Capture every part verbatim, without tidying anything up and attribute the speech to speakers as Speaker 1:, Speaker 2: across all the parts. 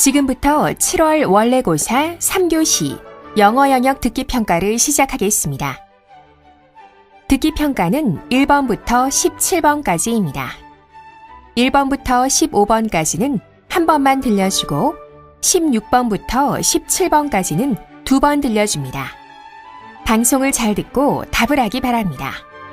Speaker 1: 지금부터 칠월 원래고사 삼 교시 영어 영역 듣기 평가를 시작하겠습니다. 듣기 평가는 일 번부터 십칠 번까지입니다. 일 번부터 십오 번까지는 한 번만 들려주고 십육 번부터 십칠 번까지는 두 번 들려줍니다. 방송을 잘 듣고 답을 하기 바랍니다.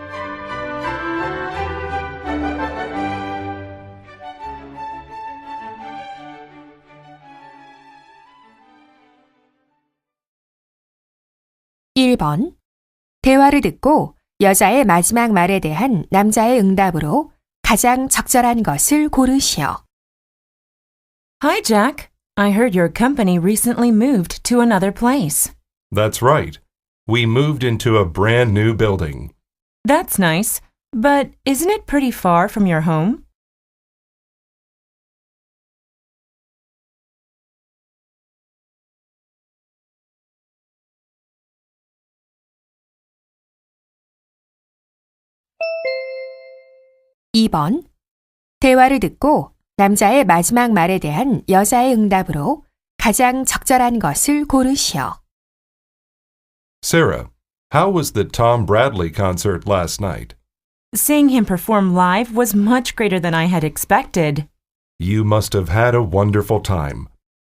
Speaker 1: 일 번. 대화를 듣고 여자의 마지막 말에 대한 남자의 응답으로 가장 적절한 것을 고르시오.
Speaker 2: Hi, Jack. I heard your company recently moved to another place.
Speaker 3: That's right. We moved into a brand new building.
Speaker 2: That's nice, but isn't it pretty far from your home?
Speaker 1: 이 번. 대화를 듣고 남자의 마지막 말에 대한 여자의 응답으로 가장 적절한 것을 고르시오.
Speaker 3: Sarah, how was the Tom Bradley concert last night?
Speaker 2: Seeing him perform live was much greater than I had expected.
Speaker 3: You must have had a wonderful time.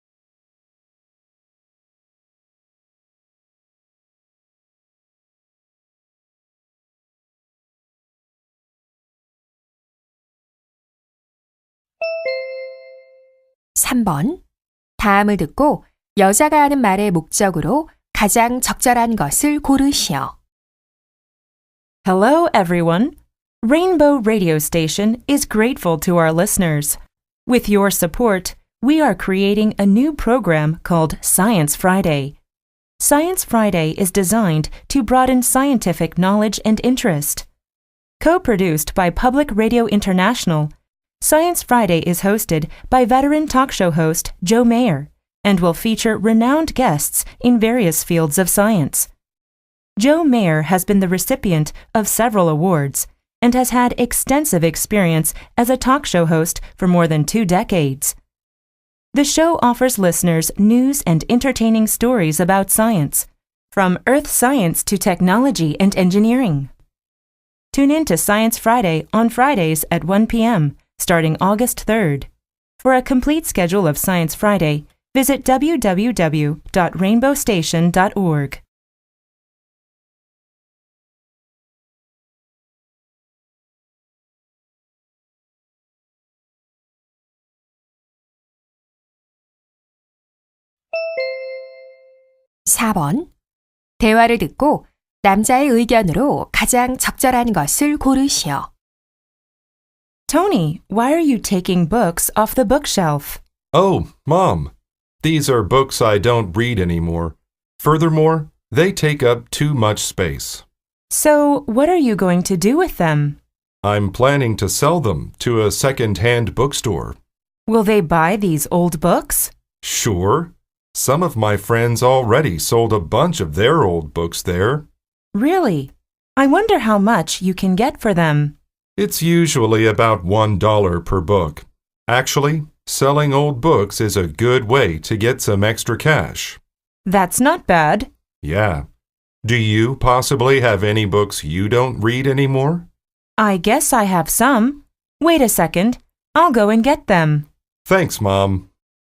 Speaker 1: 삼 번. 다음을 듣고 여자가 하는 말의 목적으로 가장 적절한 것을 고르시오.
Speaker 2: Hello, everyone. Rainbow Radio Station is grateful to our listeners. With your support, we are creating a new program called Science Friday. Science Friday is designed to broaden scientific knowledge and interest. Co-produced by Public Radio International, Science Friday is hosted by veteran talk show host Joe Mayer and will feature renowned guests in various fields of science. Joe Mayer has been the recipient of several awards and has had extensive experience as a talk show host for more than two decades. The show offers listeners news and entertaining stories about science, from earth science to technology and engineering. Tune in to Science Friday on Fridays at one p.m. starting August third. For a complete schedule of Science Friday, visit w w w dot rainbow station dot org.
Speaker 1: 사 번. 대화를 듣고 남자의 의견으로 가장 적절한 것을 고르시오.
Speaker 2: Tony, why are you taking books off the bookshelf?
Speaker 3: Oh, Mom, these are books I don't read anymore. Furthermore, they take up too much space.
Speaker 2: So, what are you going to do with them?
Speaker 3: I'm planning to sell them to a second-hand bookstore.
Speaker 2: Will they buy these old books?
Speaker 3: Sure. Some of my friends already sold a bunch of their old books there.
Speaker 2: Really? I wonder how much you can get for them.
Speaker 3: It's usually about one dollar per book. Actually, selling old books is a good way to get some extra cash.
Speaker 2: That's not bad.
Speaker 3: Yeah. Do you possibly have any books you don't read anymore?
Speaker 2: I guess I have some. Wait a second. I'll go and get them.
Speaker 3: Thanks, Mom.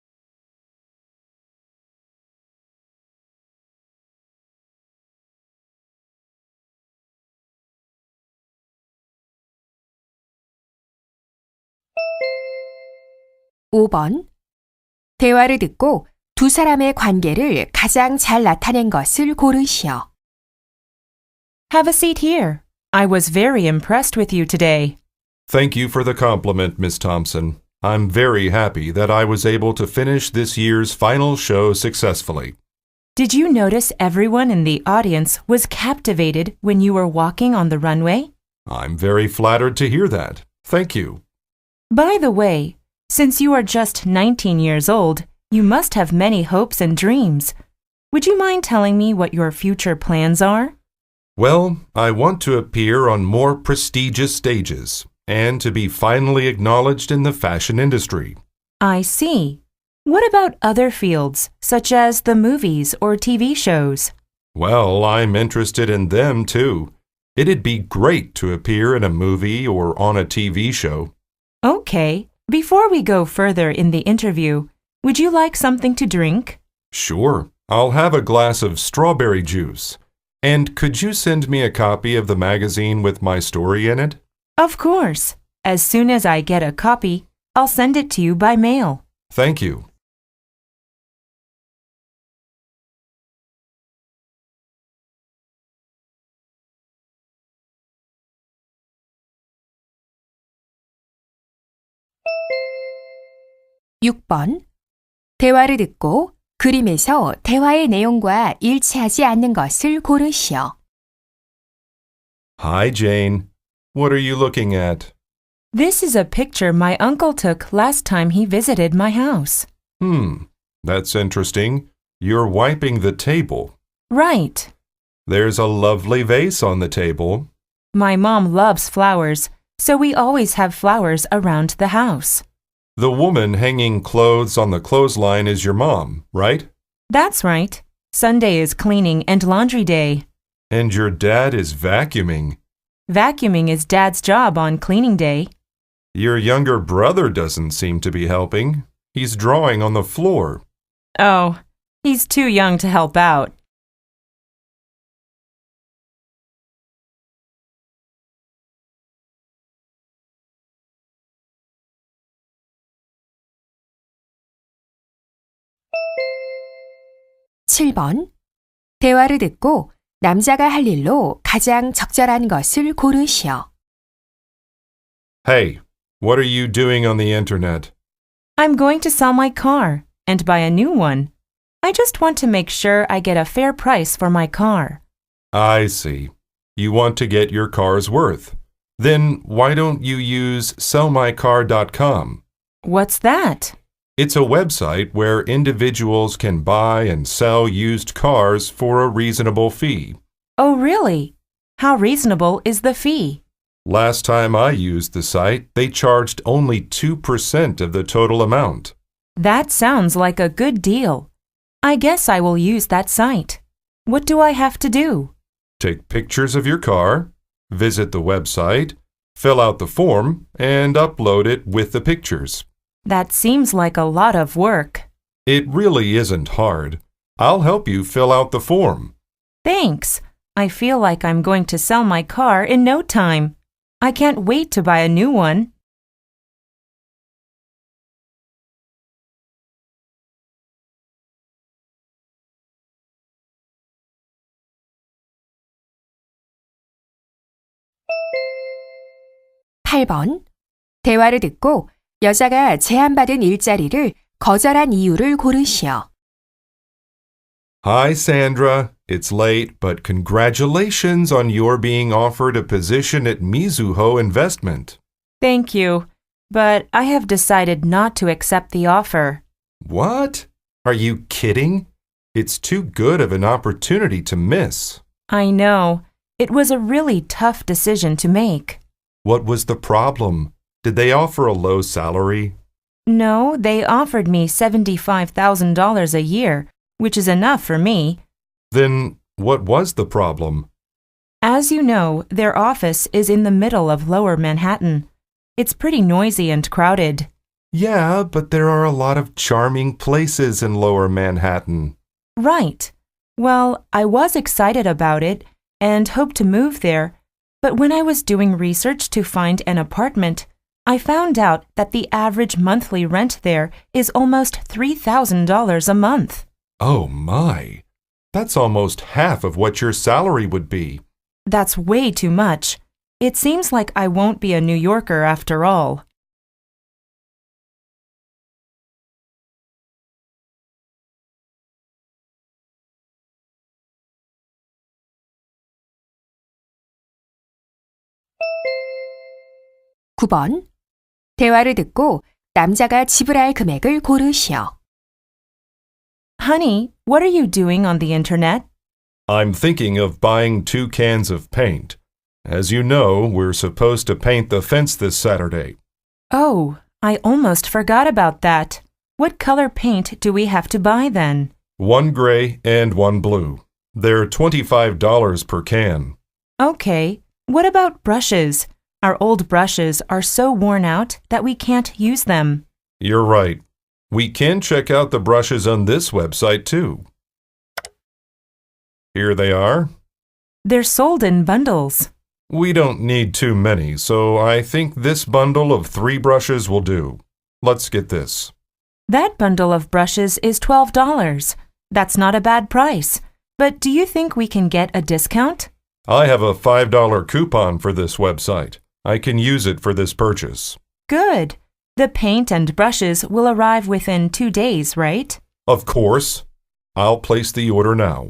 Speaker 1: 오 번. 대화를 듣고 두 사람의 관계를 가장 잘 나타낸 것을 고르시오.
Speaker 2: Have a seat here. I was very impressed with you today.
Speaker 3: Thank you for the compliment, Miss Thompson. I'm very happy that I was able to finish this year's final show successfully.
Speaker 2: Did you notice everyone in the audience was captivated when you were walking on the runway?
Speaker 3: I'm very flattered to hear that. Thank you.
Speaker 2: By the way, since you are just nineteen years old, you must have many hopes and dreams. Would you mind telling me what your future plans are?
Speaker 3: Well, I want to appear on more prestigious stages and to be finally acknowledged in the fashion industry.
Speaker 2: I see. What about other fields, such as the movies or T V shows?
Speaker 3: Well, I'm interested in them too. It'd be great to appear in a movie or on a T V show.
Speaker 2: Okay, before we go further in the interview, would you like something to drink?
Speaker 3: Sure, I'll have a glass of strawberry juice. And could you send me a copy of the magazine with my story in it?
Speaker 2: Of course. As soon as I get a copy, I'll send it to you by mail.
Speaker 3: Thank you.
Speaker 1: 육 번. 대화를 듣고 그림에서 대화의 내용과 일치하지 않는 것을 고르시오.
Speaker 3: Hi, Jane. What are you looking at?
Speaker 2: This is a picture my uncle took last time he visited my house.
Speaker 3: Hmm, that's interesting. You're wiping the table.
Speaker 2: Right.
Speaker 3: There's a lovely vase on the table.
Speaker 2: My mom loves flowers, so we always have flowers around the house.
Speaker 3: The woman hanging clothes on the clothesline is your mom, right?
Speaker 2: That's right. Sunday is cleaning and laundry day.
Speaker 3: And your dad is vacuuming.
Speaker 2: Vacuuming is Dad's job on cleaning day.
Speaker 3: Your younger brother doesn't seem to be helping. He's drawing on the floor.
Speaker 2: Oh, he's too young to help out.
Speaker 1: 칠 번. 대화를 듣고 남자가 할 일로 가장 적절한 것을 고르시오.
Speaker 3: Hey, what are you doing on the internet?
Speaker 2: I'm going to sell my car and buy a new one. I just want to make sure I get a fair price for my car.
Speaker 3: I see. You want to get your car's worth. Then why don't you use sell my car dot com?
Speaker 2: What's that?
Speaker 3: It's a website where individuals can buy and sell used cars for a reasonable fee.
Speaker 2: Oh, really? How reasonable is the fee?
Speaker 3: Last time I used the site, they charged only two percent of the total amount.
Speaker 2: That sounds like a good deal. I guess I will use that site. What do I have to do?
Speaker 3: Take pictures of your car, visit the website, fill out the form, and upload it with the pictures.
Speaker 2: That seems like a lot of work.
Speaker 3: It really isn't hard. I'll help you fill out the form.
Speaker 2: Thanks. I feel like I'm going to sell my car in no time. I can't wait to buy a new one.
Speaker 1: 팔 번. 대화를 듣고 여자가 제안받은 일자리를 거절한 이유를 고르시오.
Speaker 3: Hi, Sandra. It's late, but congratulations on your being offered a position at Mizuho Investment.
Speaker 2: Thank you, but I have decided not to accept the offer.
Speaker 3: What? Are you kidding? It's too good of an opportunity to miss.
Speaker 2: I know. It was a really tough decision to make.
Speaker 3: What was the problem? Did they offer a low salary?
Speaker 2: No, they offered me seventy-five thousand dollars a year, which is enough for me.
Speaker 3: Then what was the problem?
Speaker 2: As you know, their office is in the middle of Lower Manhattan. It's pretty noisy and crowded.
Speaker 3: Yeah, but there are a lot of charming places in Lower Manhattan.
Speaker 2: Right. Well, I was excited about it and hoped to move there, but when I was doing research to find an apartment, I found out that the average monthly rent there is almost three thousand dollars a month.
Speaker 3: Oh my! That's almost half of what your salary would be.
Speaker 2: That's way too much. It seems like I won't be a New Yorker after all.
Speaker 1: 구 번. 대화를 듣고 남자가 지불할 금액을 고르시오.
Speaker 2: Honey, what are you doing on the internet?
Speaker 3: I'm thinking of buying two cans of paint. As you know, we're supposed to paint the fence this Saturday.
Speaker 2: Oh, I almost forgot about that. What color paint do we have to buy then?
Speaker 3: One gray and one blue. They're twenty-five dollars per can.
Speaker 2: Okay. What about brushes? Our old brushes are so worn out that we can't use them.
Speaker 3: You're right. We can check out the brushes on this website too. Here they are.
Speaker 2: They're sold in bundles.
Speaker 3: We don't need too many, so I think this bundle of three brushes will do. Let's get this.
Speaker 2: That bundle of brushes is twelve dollars. That's not a bad price. But do you think we can get a discount?
Speaker 3: I have a five dollar coupon for this website. I can use it for this purchase.
Speaker 2: Good. The paint and brushes will arrive within two days, right?
Speaker 3: Of course. I'll place the order now.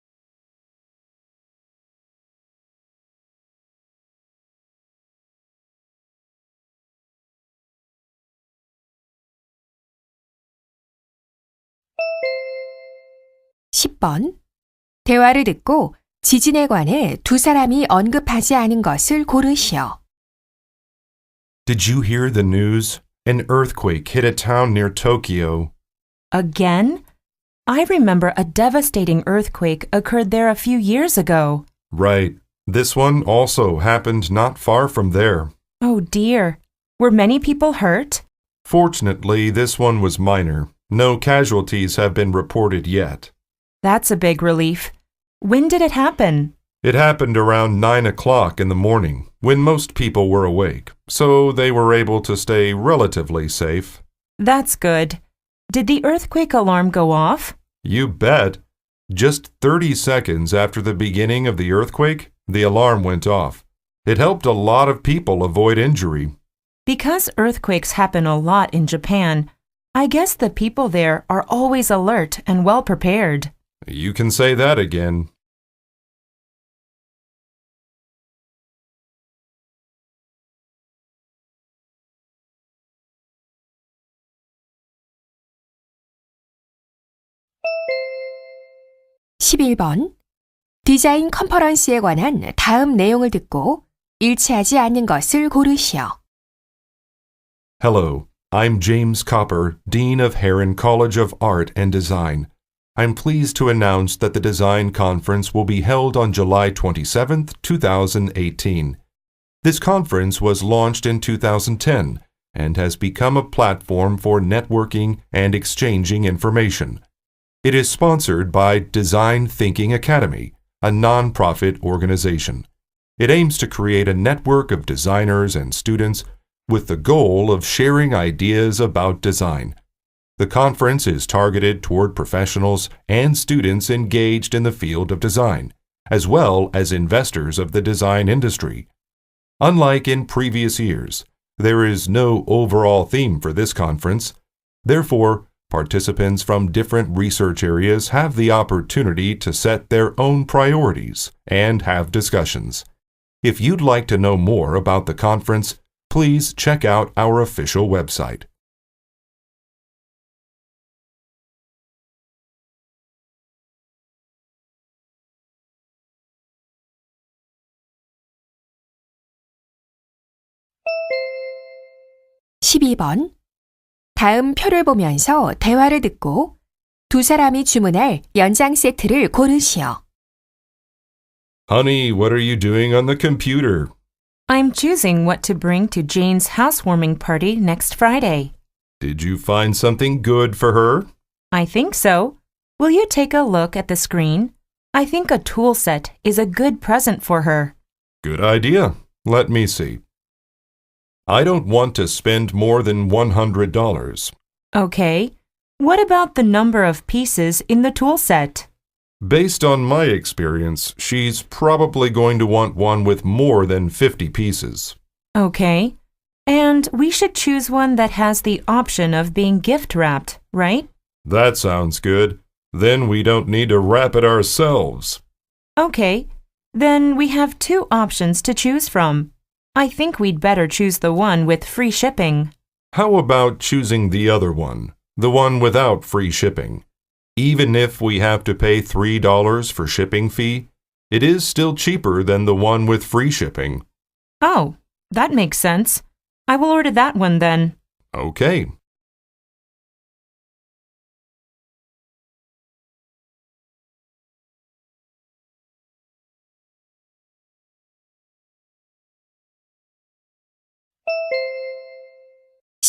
Speaker 1: 십 번. 대화를 듣고 지진에 관해 두 사람이 언급하지 않은 것을 고르시오.
Speaker 3: Did you hear the news? An earthquake hit a town near Tokyo.
Speaker 2: Again? I remember a devastating earthquake occurred there a few years ago.
Speaker 3: Right. This one also happened not far from there.
Speaker 2: Oh dear. Were many people hurt?
Speaker 3: Fortunately, this one was minor. No casualties have been reported yet.
Speaker 2: That's a big relief. When did it happen?
Speaker 3: It happened around nine o'clock in the morning, when most people were awake, so they were able to stay relatively safe.
Speaker 2: That's good. Did the earthquake alarm go off?
Speaker 3: You bet. Just thirty seconds after the beginning of the earthquake, the alarm went off. It helped a lot of people avoid injury.
Speaker 2: Because earthquakes happen a lot in Japan, I guess the people there are always alert and well prepared.
Speaker 3: You can say that again.
Speaker 1: 십일 번. 디자인 컨퍼런스에 관한 다음 내용을 듣고 일치하지 않는 것을 고르시오.
Speaker 3: Hello, I'm James Copper, Dean of Heron College of Art and Design. I'm pleased to announce that the design conference will be held on July twenty-seventh, two thousand eighteen. This conference was launched in two thousand ten and has become a platform for networking and exchanging information. It is sponsored by Design Thinking Academy, a non-profit organization. It aims to create a network of designers and students with the goal of sharing ideas about design. The conference is targeted toward professionals and students engaged in the field of design, as well as investors of the design industry. Unlike in previous years, there is no overall theme for this conference. Therefore, participants from different research areas have the opportunity to set their own priorities and have discussions. If you'd like to know more about the conference, please check out our official website.
Speaker 1: 십이 번. 다음 표를 보면서 대화를 듣고 두 사람이 주문할 연장 세트를 고르시오.
Speaker 3: Honey, what are you doing on the computer?
Speaker 2: I'm choosing what to bring to Jane's housewarming party next Friday.
Speaker 3: Did you find something good for her?
Speaker 2: I think so. Will you take a look at the screen? I think a tool set is a good present for her.
Speaker 3: Good idea. Let me see. I don't want to spend more than one hundred dollars.
Speaker 2: Okay. What about the number of pieces in the tool set?
Speaker 3: Based on my experience, she's probably going to want one with more than fifty pieces.
Speaker 2: Okay. And we should choose one that has the option of being gift wrapped, right?
Speaker 3: That sounds good. Then we don't need to wrap it ourselves.
Speaker 2: Okay. Then we have two options to choose from. I think we'd better choose the one with free shipping.
Speaker 3: How about choosing the other one, the one without free shipping? Even if we have to pay three dollars for shipping fee, it is still cheaper than the one with free shipping.
Speaker 2: Oh, that makes sense. I will order that one then.
Speaker 3: Okay.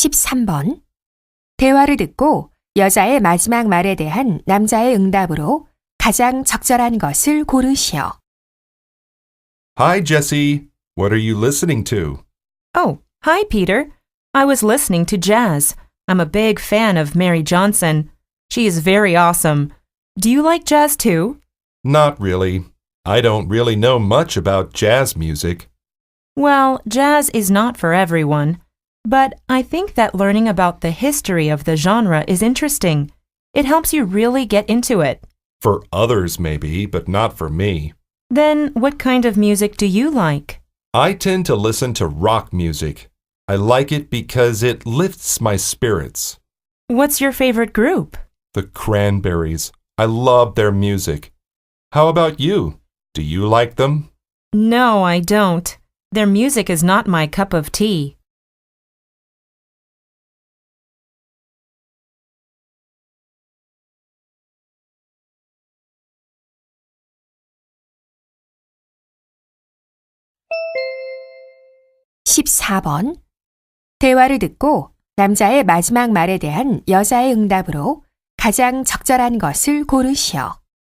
Speaker 1: 십삼 번. 대화를 듣고 여자의 마지막 말에 대한 남자의 응답으로 가장 적절한 것을 고르시오.
Speaker 3: Hi, Jesse. What are you listening to?
Speaker 2: Oh, hi, Peter. I was listening to jazz. I'm a big fan of Mary Johnson. She is very awesome. Do you like jazz too?
Speaker 3: Not really. I don't really know much about jazz music.
Speaker 2: Well, jazz is not for everyone. But I think that learning about the history of the genre is interesting. It helps you really get into it.
Speaker 3: For others, maybe, but not for me.
Speaker 2: Then what kind of music do you like?
Speaker 3: I tend to listen to rock music. I like it because it lifts my spirits.
Speaker 2: What's your favorite group?
Speaker 3: The Cranberries. I love their music. How about you? Do you like them?
Speaker 2: No, I don't. Their music is not my cup of tea.
Speaker 1: 십사 번. 대화를 듣고 남자의 마지막 말에 대한 여자의 응답으로 가장 적절한 것을 고르시오.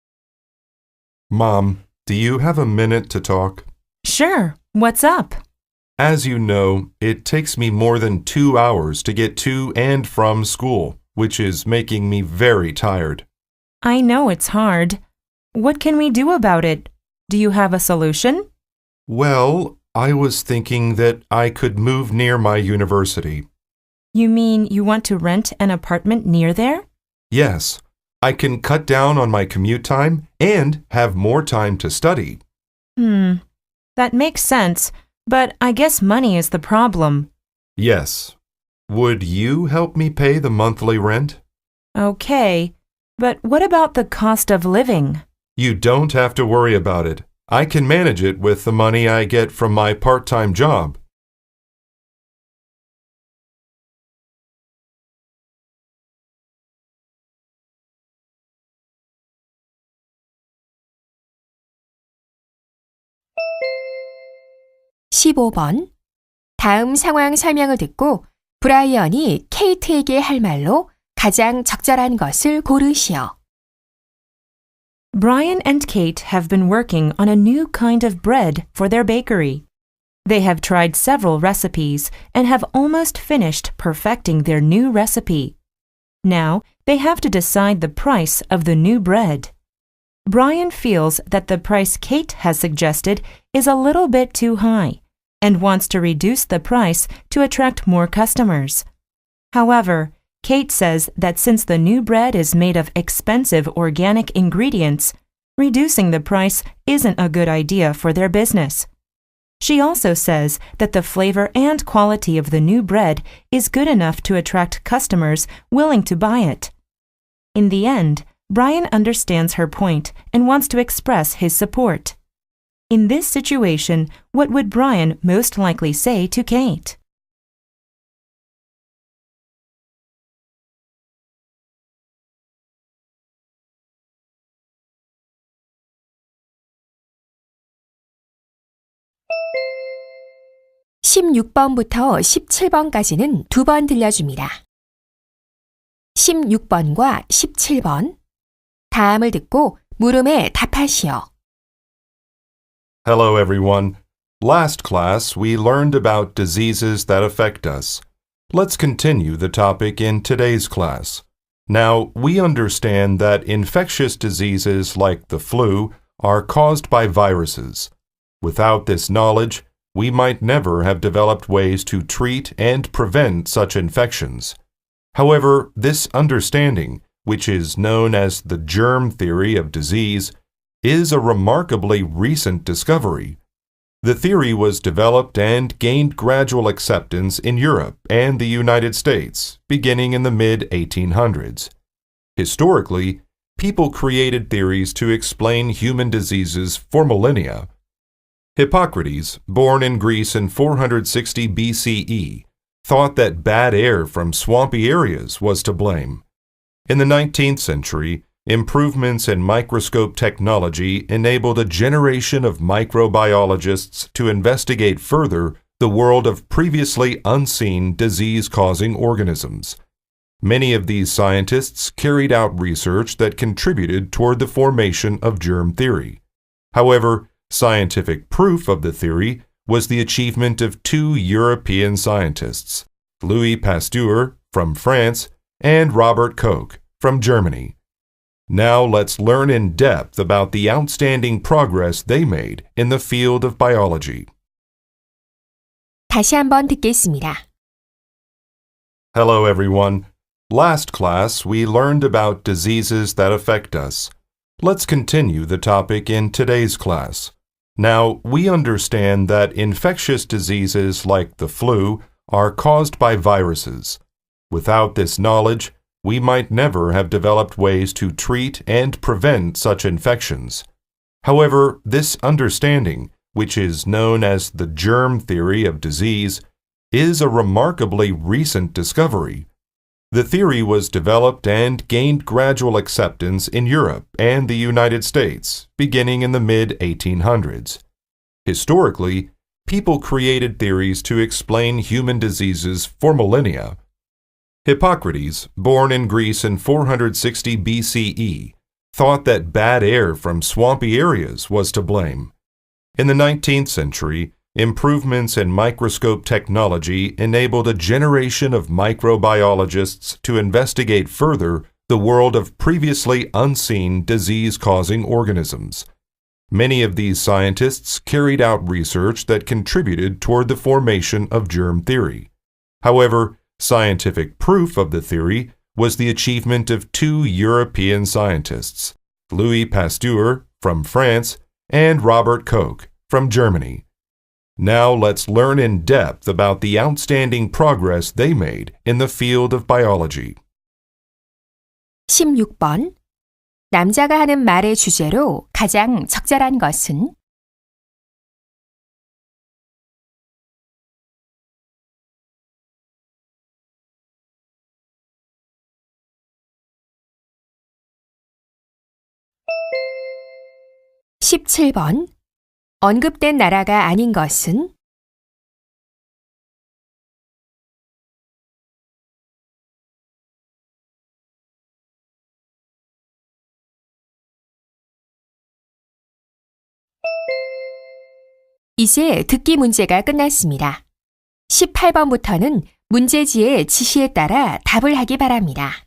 Speaker 3: Mom, do you have a minute to talk?
Speaker 2: Sure. What's up?
Speaker 3: As you know, it takes me more than two hours to get to and from school, which is making me very tired.
Speaker 2: I know it's hard. What can we do about it? Do you have a solution?
Speaker 3: Well, I was thinking that I could move near my university.
Speaker 2: You mean you want to rent an apartment near there?
Speaker 3: Yes, I can cut down on my commute time and have more time to study.
Speaker 2: Hmm. That makes sense, but I guess money is the problem.
Speaker 3: Yes. Would you help me pay the monthly rent?
Speaker 2: Okay, but what about the cost of living?
Speaker 3: You don't have to worry about it. I can manage it with the money I get from my part-time job.
Speaker 1: 십오 번. 다음 상황 설명을 듣고 브라이언이 케이트에게 할 말로 가장 적절한 것을 고르시오.
Speaker 2: Brian and Kate have been working on a new kind of bread for their bakery. They have tried several recipes and have almost finished perfecting their new recipe. Now, they have to decide the price of the new bread. Brian feels that the price Kate has suggested is a little bit too high and wants to reduce the price to attract more customers. However, Kate says that since the new bread is made of expensive organic ingredients, reducing the price isn't a good idea for their business. She also says that the flavor and quality of the new bread is good enough to attract customers willing to buy it. In the end, Brian understands her point and wants to express his support. In this situation, what would Brian most likely say to Kate?
Speaker 1: 십육 번부터 십칠 번까지는 두 번 들려줍니다. 십육 번과 십칠 번. 다음을 듣고 물음에 답하시오.
Speaker 3: Hello, everyone. Last class, we learned about diseases that affect us. Let's continue the topic in today's class. Now, we understand that infectious diseases like the flu are caused by viruses. Without this knowledge, we might never have developed ways to treat and prevent such infections. However, this understanding, which is known as the germ theory of disease, is a remarkably recent discovery. The theory was developed and gained gradual acceptance in Europe and the United States, beginning in the mid eighteen hundreds. Historically, people created theories to explain human diseases for millennia. Hippocrates, born in Greece in four hundred sixty B C E, thought that bad air from swampy areas was to blame. In the nineteenth century, improvements in microscope technology enabled a generation of microbiologists to investigate further the world of previously unseen disease-causing organisms. Many of these scientists carried out research that contributed toward the formation of germ theory. However, scientific proof of the theory was the achievement of two European scientists, Louis Pasteur from France and Robert Koch from Germany. Now let's learn in depth about the outstanding progress they made in the field of biology.
Speaker 1: 다시 한번 듣겠습니다.
Speaker 3: Hello everyone. Last class we learned about diseases that affect us. Let's continue the topic in today's class. Now, we understand that infectious diseases like the flu are caused by viruses. Without this knowledge, we might never have developed ways to treat and prevent such infections. However, this understanding, which is known as the germ theory of disease, is a remarkably recent discovery. The theory was developed and gained gradual acceptance in Europe and the United States, beginning in the mid eighteen hundreds. Historically, people created theories to explain human diseases for millennia. Hippocrates, born in Greece in four hundred sixty B C E, thought that bad air from swampy areas was to blame. In the nineteenth century, improvements in microscope technology enabled a generation of microbiologists to investigate further the world of previously unseen disease-causing organisms. Many of these scientists carried out research that contributed toward the formation of germ theory. However, scientific proof of the theory was the achievement of two European scientists, Louis Pasteur from France and Robert Koch from Germany. Now let's learn in depth about the outstanding progress they made in the field of biology.
Speaker 1: 십육 번. 남자가 하는 말의 주제로 가장 적절한 것은? 십칠 번. 언급된 나라가 아닌 것은? 이제 듣기 문제가 끝났습니다. 십팔 번부터는 문제지의 지시에 따라 답을 하기 바랍니다.